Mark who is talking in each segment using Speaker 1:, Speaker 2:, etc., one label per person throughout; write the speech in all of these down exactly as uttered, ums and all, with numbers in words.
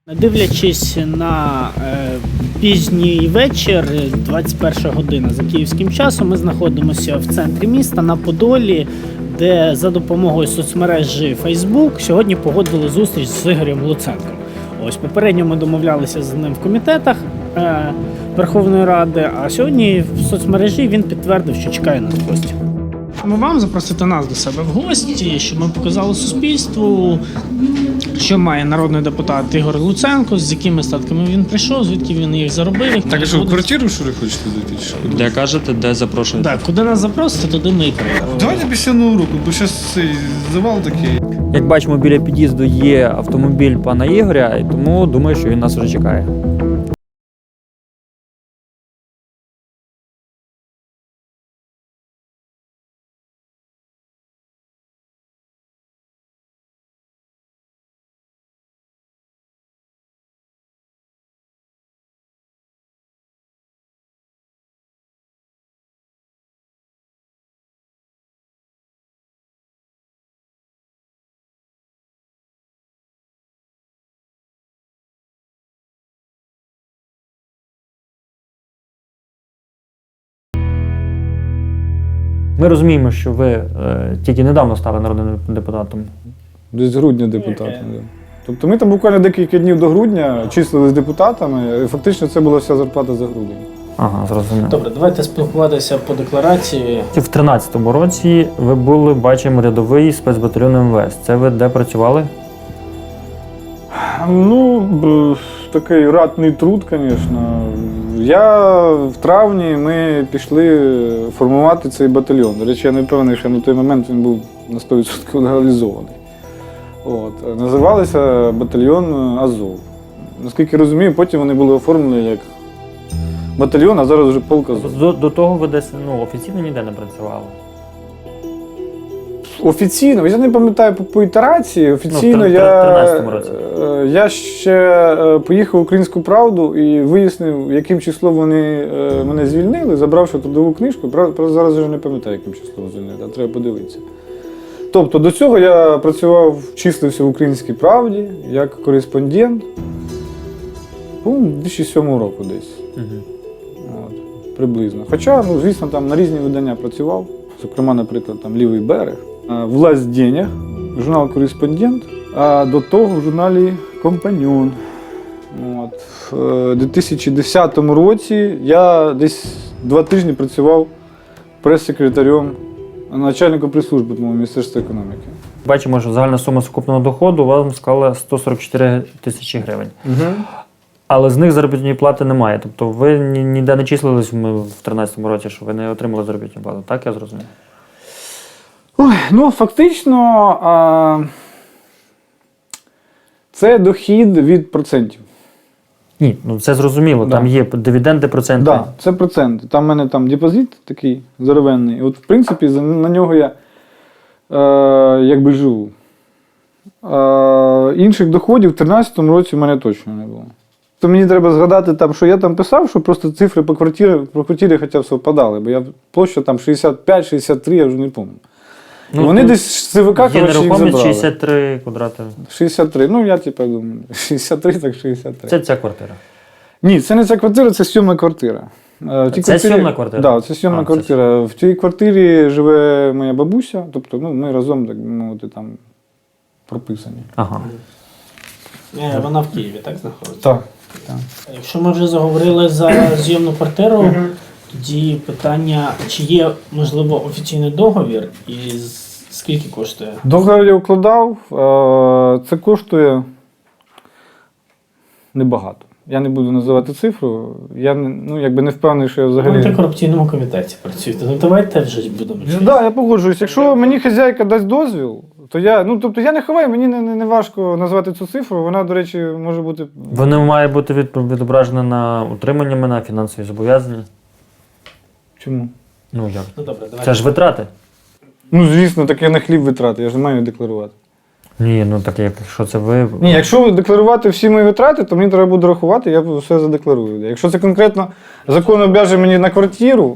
Speaker 1: Дивлячись на е, пізній вечір, двадцять перша година за київським часом, ми знаходимося в центрі міста на Подолі, де за допомогою соцмережі Facebook сьогодні погодили зустріч з Ігорем Луценком. Ось попередньо ми домовлялися з ним в комітетах е, Верховної Ради, а сьогодні в соцмережі він підтвердив, що чекає нас в гості. Ми вам запросити нас до себе в гості, щоб ми показали суспільству, що має народний депутат Ігор Луценко, з якими статками він прийшов, звідки він їх заробив.
Speaker 2: Так, а що, в квартиру, що ли, хочете зайти? Що?
Speaker 3: Де кажете, де запрошуєте?
Speaker 1: Так, куди нас запросите, туди ми і приїдемо.
Speaker 2: Давайте після Нового року, бо зараз цей завал такий.
Speaker 4: Як бачимо, біля під'їзду є автомобіль пана Ігоря, і тому думаю, що він нас вже чекає. Ми розуміємо, що ви е, тільки недавно стали народним депутатом.
Speaker 5: Десь грудня депутатом. Да. Тобто ми там буквально декілька днів до грудня числились депутатами, і фактично це була вся зарплата за грудень.
Speaker 4: Ага, зрозуміло.
Speaker 1: Добре, давайте спілкуватися по декларації.
Speaker 4: В тринадцятому році ви були, бачимо, рядовий спецбатальйон ем ве ес. Це ви де працювали?
Speaker 5: Ну, б, такий ратний труд, звісно. Я в травні ми пішли формувати цей батальйон. До речі, я не впевнений, що на той момент він був на сто відсотків легалізований. От. Називалися батальйон Азов. Наскільки розумію, потім вони були оформлені як батальйон, а зараз вже полк Азов.
Speaker 4: До, до того ви десь ну, офіційно ніде не працювали?
Speaker 5: Офіційно, я не пам'ятаю по, по ітерації, офіційно
Speaker 4: Ну, в
Speaker 5: я,
Speaker 4: тринадцятому році.
Speaker 5: я ще поїхав в «Українську правду» і вияснив, яким числом вони мене звільнили, забравши трудову книжку. Правда, зараз вже не пам'ятаю, яким числом звільнили, а треба подивитися. Тобто до цього я працював, числився в «Українській правді» як кореспондент, по-моєму, дві тисячі сьомого року десь.
Speaker 4: Угу.
Speaker 5: От, приблизно. Хоча, ну, звісно, там на різні видання працював, зокрема, наприклад, там «Лівий берег», «Власть денег», журнал «Кореспондент», а до того в журналі «Компаньон». От. В дві тисячі десятому році я десь два тижні працював прес-секретарем, начальником прес-служби, по-моєму, Міністерства економіки.
Speaker 4: Бачимо, що загальна сума сукупного доходу вам склала сто сорок чотири тисячі гривень.
Speaker 5: Угу.
Speaker 4: Але з них заробітної плати немає. Тобто ви ні- ніде не числились в тринадцятому році, що ви не отримали заробітну плату. Так я зрозумів?
Speaker 5: Ой, ну, фактично, а, це дохід від процентів.
Speaker 4: Ні, ну це зрозуміло.
Speaker 5: Да.
Speaker 4: Там є дивіденди, проценти.
Speaker 5: Так, да, це проценти. Там в мене там депозит такий здоровенний. От, в принципі, за- на нього я е, якби живу. Е, інших доходів в тринадцятому році в мене точно не було. То мені треба згадати, там, що я там писав, що просто цифри по квартирі, по квартирі хоча б совпадали, бо я площа там шістдесят п'ять шістдесят три, я вже не пам'ятаю. І
Speaker 4: Ну,
Speaker 5: вони
Speaker 4: тут
Speaker 5: десь з ЦВК,
Speaker 4: Є
Speaker 5: коротше, їх
Speaker 4: нерухомість
Speaker 5: забрали.
Speaker 4: шістдесят три квадрати.
Speaker 5: шістдесят три, ну я типу думаю, шістдесят три, так шістдесят три.
Speaker 4: Це ця квартира.
Speaker 5: Ні, це не ця квартира, це сьомна квартира. Е, в тій
Speaker 4: Це сьомна квартира?
Speaker 5: Так, да, це сьомна
Speaker 4: А, це
Speaker 5: квартира. В цій квартирі живе моя бабуся, тобто ну, ми разом, так би мовити, там прописані.
Speaker 4: Ага.
Speaker 1: Е, Вона в Києві, так знаходиться?
Speaker 5: Так. так.
Speaker 1: Якщо ми вже заговорили за зйомну квартиру, тоді питання, чи є, можливо, офіційний договір і з- скільки коштує?
Speaker 5: Договір я укладав, е, це коштує небагато. Я не буду називати цифру, я не, ну, якби не впевнений, що я
Speaker 1: В
Speaker 5: взагалі...
Speaker 1: антикорупційному комітеті працюєте. Ну давайте вже будемо.
Speaker 5: Так, да, я погоджуюсь. Якщо мені хазяйка дасть дозвіл, то я, ну, тобто я не ховаю, мені не, не, не важко назвати цю цифру, вона, до речі, може бути...
Speaker 4: Вони мають бути від, відображені на утримання мене, фінансові зобов'язання.
Speaker 5: Чому?
Speaker 4: Ну як?
Speaker 1: Ну добре, давайте.
Speaker 4: Це ж витрати.
Speaker 5: Ну, звісно, так я на хліб витрати, я ж не маю декларувати.
Speaker 4: Ні, ну так якщо це ви.
Speaker 5: Ні, якщо декларувати всі мої витрати, то мені треба буде рахувати, я все задекларую. Якщо це конкретно закон обов'язує мені на квартиру,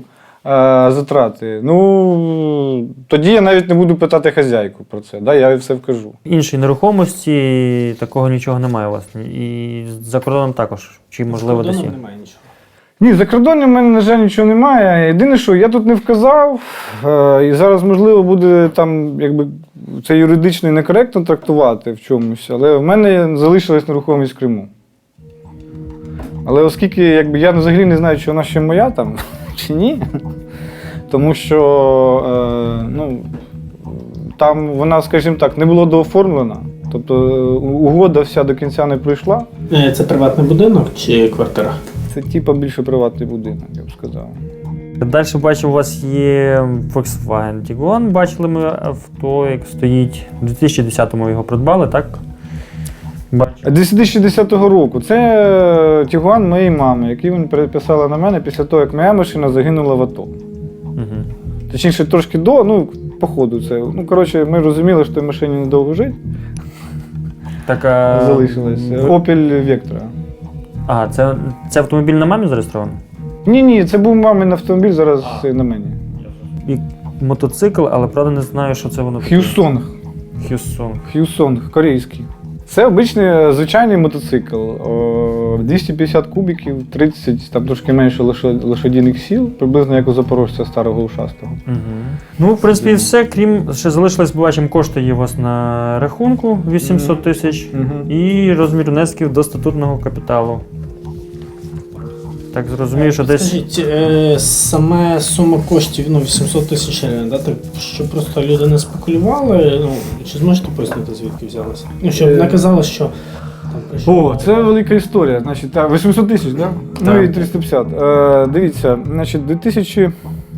Speaker 5: затрати. Ну, тоді я навіть не буду питати хазяйку про це, да? Я їй все вкажу.
Speaker 4: Іншої нерухомості такого нічого немає у вас. І за кордоном також. Чи можливо десь є?
Speaker 1: Немає нічого.
Speaker 5: Ні, за кордоном в мене, на жаль, нічого немає. Єдине, що я тут не вказав, е, і зараз, можливо, буде там, якби, це юридично і некоректно трактувати в чомусь, але в мене залишилась нерухомість в Криму. Але оскільки якби, я взагалі не знаю, чи вона ще моя там, чи ні, тому що е, ну, там вона, скажімо так, не була дооформлена, тобто угода вся до кінця не пройшла.
Speaker 1: Це приватний будинок чи квартира?
Speaker 5: Це типа більше приватний будинок, я б сказав.
Speaker 4: Далі бачимо, у вас є Volkswagen Tiguan. Бачили ми авто, як стоїть. У дві тисячі десятому його придбали, так? Бачимо.
Speaker 5: дві тисячі десятого року. Це Тігуан моєї мами, який він переписала на мене після того, як моя машина загинула в АТО.
Speaker 4: Угу.
Speaker 5: Точніше, трошки до, ну, по ходу це. Ну, коротше, ми розуміли, що в тій машині недовго жить.
Speaker 4: Так, а...
Speaker 5: Залишилось.
Speaker 4: ви-
Speaker 5: Opel Vectra.
Speaker 4: А, це, це автомобіль на мамі зареєстрований?
Speaker 5: Ні, ні, це був мамин автомобіль, зараз на мені.
Speaker 4: І мотоцикл, але правда не знаю, що це воно таке.
Speaker 5: Х'юсонг.
Speaker 4: Х'юсон.
Speaker 5: Х'юсонг, корейський. Це обичний звичайний мотоцикл. О, двісті п'ятдесят кубиків, тридцять, там трошки менше лошо- лошадіних сіл, приблизно як у запорожця старого ушастого.
Speaker 4: Угу. Ну, в принципі, і все. Крім, ще залишилось, бачимо, кошти є у вас на рахунку вісімсот тисяч
Speaker 5: Мгм.
Speaker 4: і розмір внесків до статутного капіталу. Так зрозумію, що десь.
Speaker 1: Скажіть, е, саме сума коштів, ну, вісімсот тисяч гривень, да, так, щоб просто люди не спекулювали, ну, чи зможете пояснити, звідки взялося? Ну, щоб не казали, що там прийшов.
Speaker 5: О, це велика історія. Значить, так, вісімсот тисяч, да? Ну і триста п'ятдесят. Е, дивіться, значить, у дві тисячі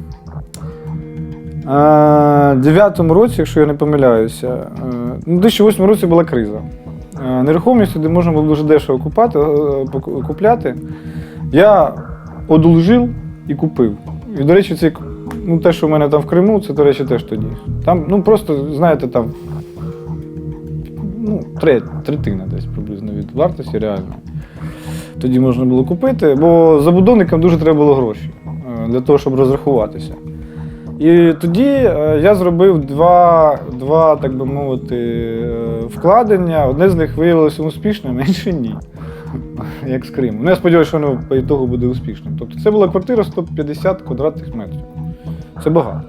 Speaker 5: дев'ятому році, якщо я не помиляюся, е, ну, у дві тисячі восьмому році була криза. Е, нерухомість, де можна було дуже дешево купати, е, пок- купляти, я одолжив і купив. І, до речі, це, ну, те, що в мене там в Криму, це, до речі, теж тоді. Там, ну, просто, знаєте, там, ну, треть, третина десь приблизно від вартості реально. Тоді можна було купити, бо забудовникам дуже треба було гроші е, для того, щоб розрахуватися. І тоді е, я зробив два, два, так би мовити, е, вкладення. Одне з них виявилося успішним, а інше ні. Як з Криму. Ну, я сподіваюся, що воно по ітогу буде успішним. Тобто це була квартира сто п'ятдесят квадратних метрів. Це багато.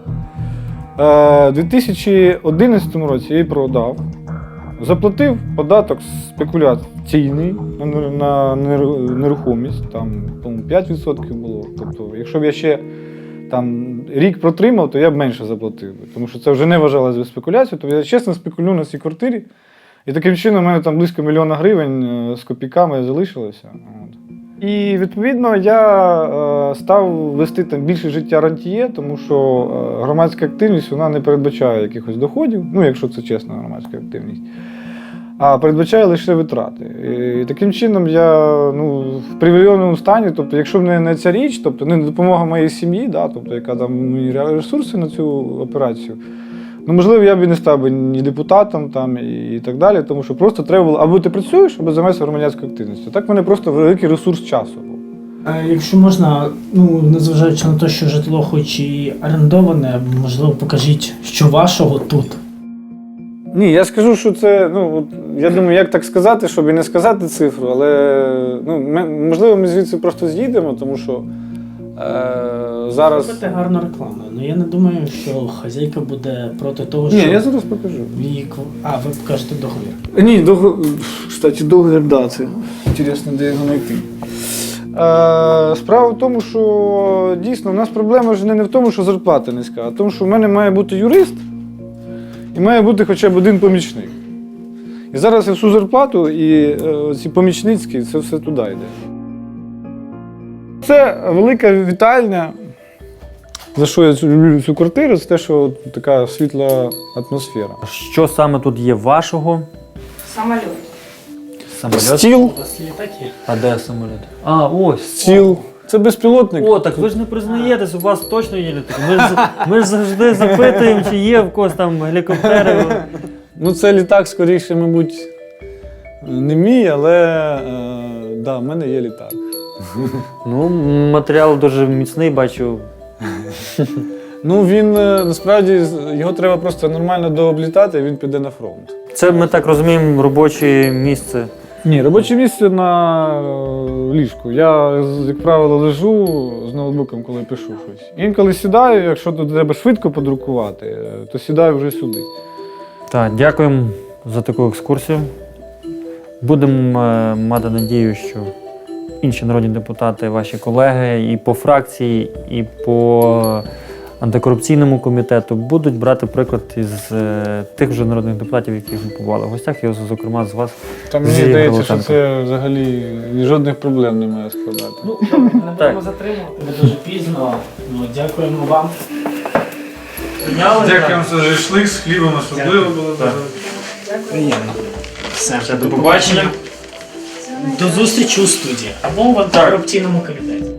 Speaker 5: Е, У дві тисячі одинадцятому році я її продав. Заплатив податок спекуляційний на, на неру- нерухомість, там, по-моєму, п'ять відсотків було. Тобто, якщо б я ще там, рік протримав, то я б менше заплатив. Тому що це вже не вважалося за спекуляцію. Тобто я чесно спекулюю на цій квартирі. І таким чином у мене там близько мільйона гривень е, з копійками залишилося. От. І відповідно я е, став вести там більше життя рантіє, тому що е, громадська активність вона не передбачає якихось доходів, ну якщо це чесна громадська активність, а передбачає лише витрати. І таким чином я, ну, в привілейованому стані, тобто якщо б не, не ця річ, тобто не допомога моїй сім'ї, да, тобто яка там мені ресурси на цю операцію, ну, можливо, я б і не став би ні депутатом там, і, і так далі, тому що просто треба було, або ти працюєш, або займаєшся громадянською активністю. Так в мене просто великий ресурс часу був.
Speaker 1: А якщо можна, ну, незважаючи на те, що житло хоч і орендоване, можливо, покажіть, що вашого тут.
Speaker 5: Ні, я скажу, що це, ну, от, я думаю, як так сказати, щоб і не сказати цифру, але, ну, ми, можливо, ми звідси просто з'їдемо, тому що е, зараз...
Speaker 1: Робите гарну рекламу. Ну, я не думаю, що хазяйка буде проти того,
Speaker 5: Ні,
Speaker 1: що
Speaker 5: я зараз покажу.
Speaker 1: її... кв- А, ви покажете договір.
Speaker 5: Ні, договір, кстати, договір, да, це інтересно, де його знайти. Е, справа в тому, що дійсно у нас проблема ж не в тому, що зарплата низька, а в тому, що в мене має бути юрист і має бути хоча б один помічник. І зараз я всю зарплату і е, ці помічницькі, це все туди йде. Це велика вітальня. За що я цю- люблю цю квартиру, це те, що от така світла атмосфера.
Speaker 4: Що саме тут є вашого?
Speaker 3: Самолет.
Speaker 4: Самоліт?
Speaker 5: Стіл,
Speaker 1: У вас літак є?
Speaker 4: А де самоліт? А, ось.
Speaker 5: стіл. Це безпілотник.
Speaker 4: О, так ви ж не признаєтесь, у вас точно є літаки. Ми ж, ми ж завжди запитуємо, чи є в когось там гелікоптери.
Speaker 5: Ну, це літак, скоріше, мабуть, не мій, але е, да, в мене є літак.
Speaker 4: Ну, матеріал дуже міцний, бачу.
Speaker 5: Ну він е, насправді з- його треба просто нормально дооблітати, і він піде на фронт.
Speaker 4: Це ми так розуміємо, робоче місце.
Speaker 5: Ні, робоче місце на е, ліжку. Я, з- як правило, лежу з ноутбуком, коли пишу щось. Інколи сідаю, якщо тут треба швидко подрукувати, е, то сідаю вже сюди.
Speaker 4: Так, дякуємо за таку екскурсію. Будемо е, мати надію, що інші народні депутати, ваші колеги і по фракції, і по антикорупційному комітету будуть брати приклад із е, тих вже народних депутатів, яких ми побували в гостях, і, зокрема, з вас.
Speaker 5: Та мені
Speaker 4: Зі
Speaker 5: здається, що
Speaker 4: Прилученко.
Speaker 5: це взагалі жодних проблем не має складати.
Speaker 1: Ну, добре, не
Speaker 4: Так.
Speaker 1: будемо затримувати, бо дуже пізно. Ну, дякуємо вам.
Speaker 2: Дякуємо за шашлик з хлібом, особливо було
Speaker 4: Так.
Speaker 2: дуже.
Speaker 1: Приємно. Все,
Speaker 4: Все, до побачення.
Speaker 1: До зустрічі у студії або в антикорупційному комітеті.